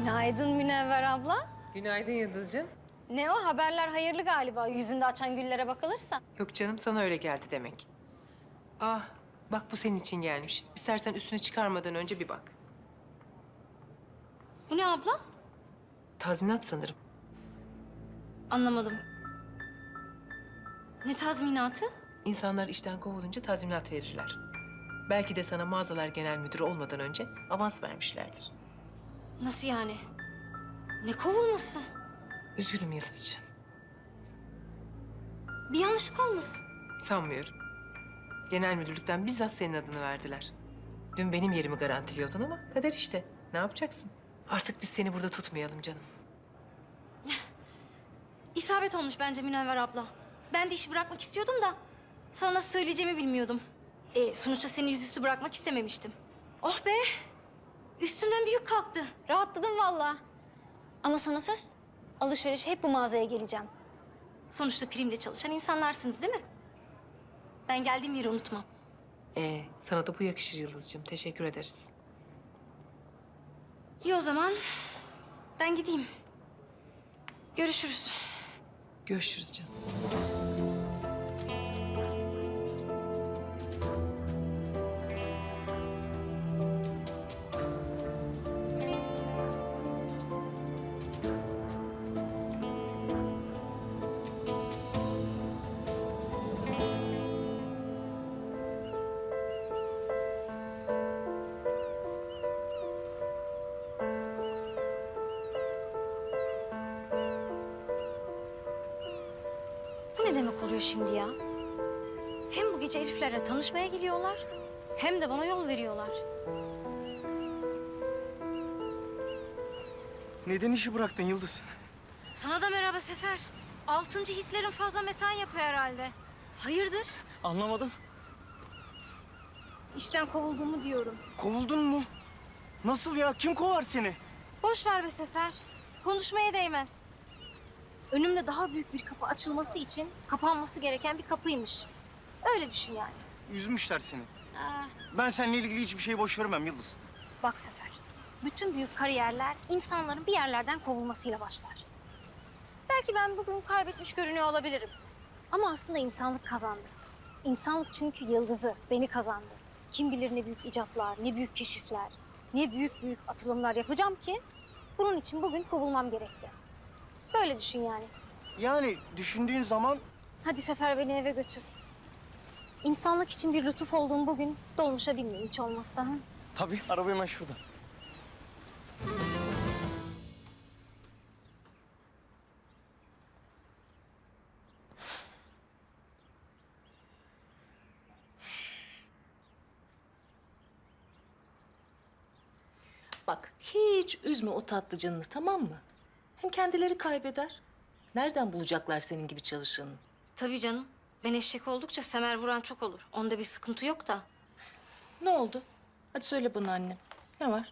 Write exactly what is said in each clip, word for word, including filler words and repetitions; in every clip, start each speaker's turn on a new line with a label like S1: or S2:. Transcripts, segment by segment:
S1: Günaydın Münevver abla.
S2: Günaydın Yıldız'cığım.
S1: Ne o, haberler hayırlı galiba yüzünde açan güllere bakılırsa.
S2: Yok canım, sana öyle geldi demek. Ah, bak bu senin için gelmiş. İstersen üstünü çıkarmadan önce bir bak.
S1: Bu ne abla?
S2: Tazminat sanırım.
S1: Anlamadım. Ne tazminatı?
S2: İnsanlar işten kovulunca tazminat verirler. Belki de sana mağazalar genel müdürü olmadan önce avans vermişlerdir.
S1: Nasıl yani? Ne kovulması?
S2: Üzgünüm Yıldız'cığım.
S1: Bir yanlışlık olmasın?
S2: Sanmıyorum. Genel müdürlükten bizzat senin adını verdiler. Dün benim yerimi garantiliyordun ama kader işte. Ne yapacaksın? Artık biz seni burada tutmayalım canım.
S1: İsabet olmuş bence Münevver abla. Ben de işi bırakmak istiyordum da sana nasıl söyleyeceğimi bilmiyordum. E, sonuçta seni yüzüstü bırakmak istememiştim. Oh be! Üstümden bir yük kalktı. Rahatladım vallahi. Ama sana söz, alışveriş hep bu mağazaya geleceğim. Sonuçta primle çalışan insanlarsınız değil mi? Ben geldiğim yeri unutmam.
S2: Ee, sana da bu yakışır Yıldız'cığım. Teşekkür ederiz.
S1: İyi o zaman ben gideyim. Görüşürüz.
S2: Görüşürüz canım.
S1: Bu ne demek oluyor şimdi ya? Hem bu gece Elif'lerle tanışmaya geliyorlar, hem de bana yol veriyorlar.
S3: Neden işi bıraktın Yıldız?
S1: Sana da merhaba Sefer. Altıncı hislerin fazla mesai yapıyor herhalde. Hayırdır?
S3: Anlamadım.
S1: İşten kovulduğumu diyorum.
S3: Kovuldun mu? Nasıl ya? Kim kovar seni?
S1: Boş ver be Sefer. Konuşmaya değmez. Önümde daha büyük bir kapı açılması için kapanması gereken bir kapıymış. Öyle düşün yani.
S3: Üzmüşler seni.
S1: Aa,
S3: Ben seninle ilgili hiçbir şeyi boş vermem Yıldız.
S1: bak Sefer. Bütün büyük kariyerler insanların bir yerlerden kovulmasıyla başlar. Belki ben bugün kaybetmiş görünüyor olabilirim. Ama aslında insanlık kazandı. İnsanlık çünkü yıldızı, beni kazandı. Kim bilir ne büyük icatlar, ne büyük keşifler, ne büyük büyük atılımlar yapacağım ki bunun için bugün kovulmam gerekti. Böyle düşün yani.
S3: Yani düşündüğün zaman
S1: Hadi Sefer beni eve götür. İnsanlık için bir lütuf olduğum bugün dolmuşa binmeyeyim hiç olmazsa. Hı?
S3: tabii araba hemen şurada.
S4: Bak hiç üzme o tatlı canını, tamam mı? Hem kendileri kaybeder. Nereden bulacaklar senin gibi çalışanı?
S1: Tabii canım. Ben eşek oldukça semer vuran çok olur. Onda bir sıkıntı yok da.
S4: Ne oldu? Hadi söyle bana annem. Ne var?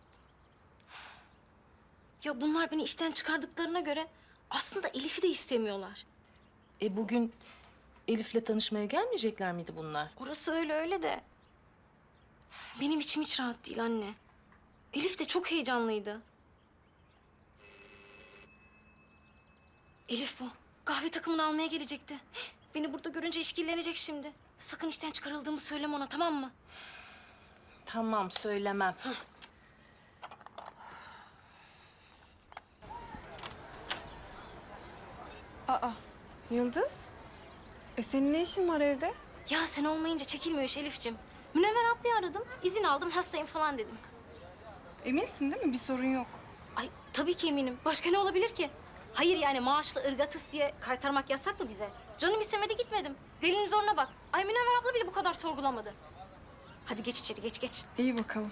S1: Ya bunlar beni işten çıkardıklarına göre aslında Elif'i de istemiyorlar.
S4: E bugün Elif'le tanışmaya gelmeyecekler miydi bunlar?
S1: Orası öyle öyle de. Benim içim hiç rahat değil anne. Elif de çok heyecanlıydı. Elif bu. Kahve takımını almaya gelecekti. Beni burada görünce işkillenecek şimdi. Sakın işten çıkarıldığımı söyleme ona, tamam mı?
S4: Tamam, söylemem.
S5: Aa, Yıldız? E senin ne işin var evde?
S1: Ya sen olmayınca çekilmiyor iş Elif'ciğim. Münevver ablayı aradım. İzin aldım, hastayım falan dedim.
S5: Eminsin değil mi? Bir sorun yok.
S1: Ay tabii ki eminim. Başka ne olabilir ki? Hayır yani maaşlı ırgatıs diye kaytarmak yasak mı bize? Canım istemedi gitmedim. Delinin zoruna bak. Ay Münevver abla bile bu kadar sorgulamadı. Hadi geç içeri, geç geç.
S5: İyi bakalım.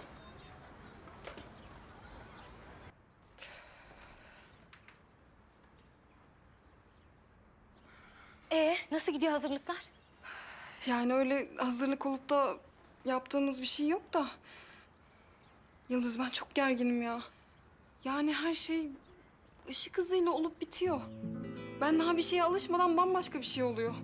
S1: Ee nasıl gidiyor hazırlıklar?
S5: Yani öyle hazırlık olup da yaptığımız bir şey yok da. Yıldız ben çok gerginim ya. Yani her şey ışık hızıyla olup bitiyor. Ben daha bir şeye alışmadan bambaşka bir şey oluyor.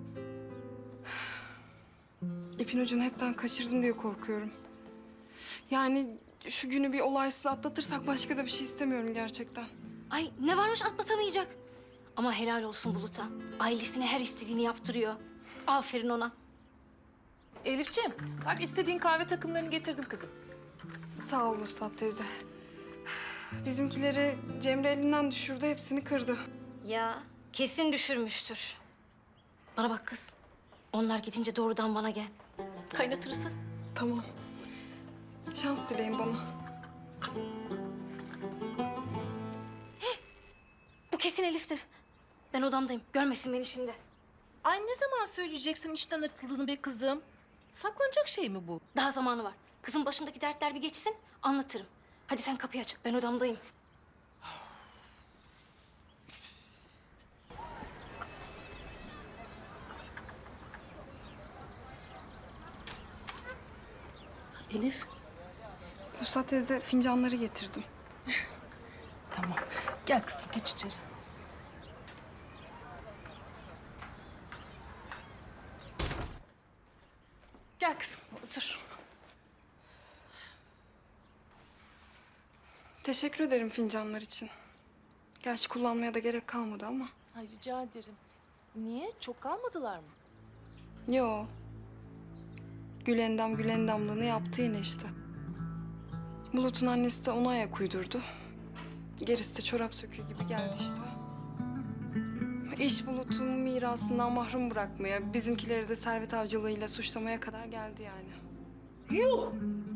S5: İpin ucunu hepten kaçırdım diye korkuyorum. Yani şu günü bir olaysız atlatırsak başka da bir şey istemiyorum gerçekten.
S1: Ay ne varmış atlatamayacak. Ama helal olsun Bulut'a. Ailesine her istediğini yaptırıyor. Aferin ona.
S4: Elifciğim, bak istediğin kahve takımlarını getirdim kızım.
S5: Sağ ol Vuslat teyze. Bizimkileri Cemre elinden düşürdü, hepsini kırdı.
S1: Ya kesin düşürmüştür. Bana bak kız. Onlar gidince doğrudan bana gel. Kaynatırız. ha.
S5: Tamam. Şans dileyin bana.
S1: Bu kesin Elif'tir. Ben odamdayım. Görmesin beni şimdi.
S4: Ay ne zaman söyleyeceksin işten atıldığını be kızım? Saklanacak şey mi bu?
S1: Daha zamanı var. Kızın başındaki dertler bir geçsin, anlatırım. Hadi sen kapıyı aç. Ben odamdayım.
S4: Elif.
S5: Vuslat teyze fincanları getirdim.
S4: Tamam. Gel kızım geç içeri. Gel kızım otur.
S5: Teşekkür ederim fincanlar için. Gerçi kullanmaya da gerek kalmadı ama.
S4: Ay rica ederim. Niye? Çok kalmadılar mı?
S5: Yo. Gülendam Gülendamlığını yaptı yine işte. Bulut'un annesi de ona ayak uydurdu. Gerisi de çorap söküğü gibi geldi işte. İş Bulut'un mirasından mahrum bırakmaya, bizimkileri de servet avcılığıyla suçlamaya kadar geldi yani.
S4: Yuh!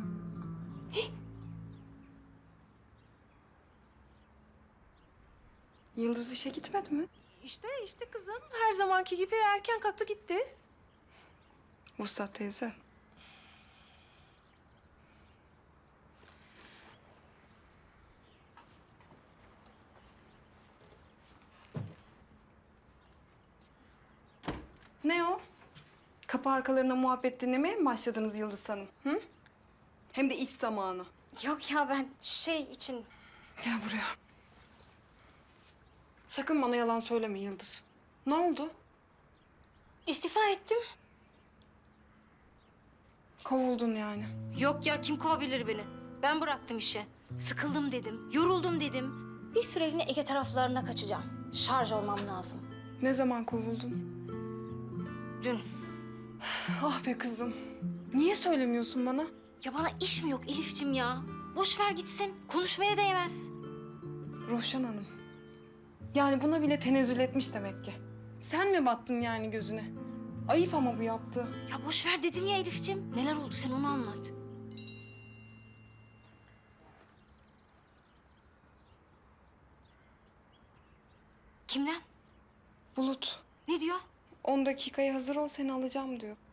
S5: Yıldız işe gitmedi mi?
S4: İşte işte kızım her zamanki gibi erken kalktı gitti.
S5: Vuslat teyze. Ne o? Kapı arkalarına muhabbet dinlemeye mi başladınız Yıldız Hanım? Hı? Hem de iş zamanı.
S1: Yok ya ben şey için...
S5: Gel buraya. Sakın bana yalan söyleme Yıldız. Ne oldu?
S1: istifa ettim.
S5: Kovuldun yani.
S1: Yok ya kim kovabilir beni? Ben bıraktım işi. Sıkıldım dedim, yoruldum dedim. Bir süreliğine Ege taraflarına kaçacağım. Şarj olmam lazım.
S5: Ne zaman kovuldun?
S1: Dün.
S5: Ah be kızım. Niye söylemiyorsun bana?
S1: Ya bana iş mi yok Elif'cim ya? Boş ver gitsin. Konuşmaya değmez.
S5: Roşan Hanım. Yani buna bile tenezzül etmiş demek ki. Sen mi battın yani gözüne? Ayıp ama bu yaptığı.
S1: Ya boş ver dedim ya Elif'cim. Neler oldu sen onu anlat. Kimden?
S5: Bulut,
S1: Ne diyor?
S5: on dakikaya hazır ol seni alacağım diyor.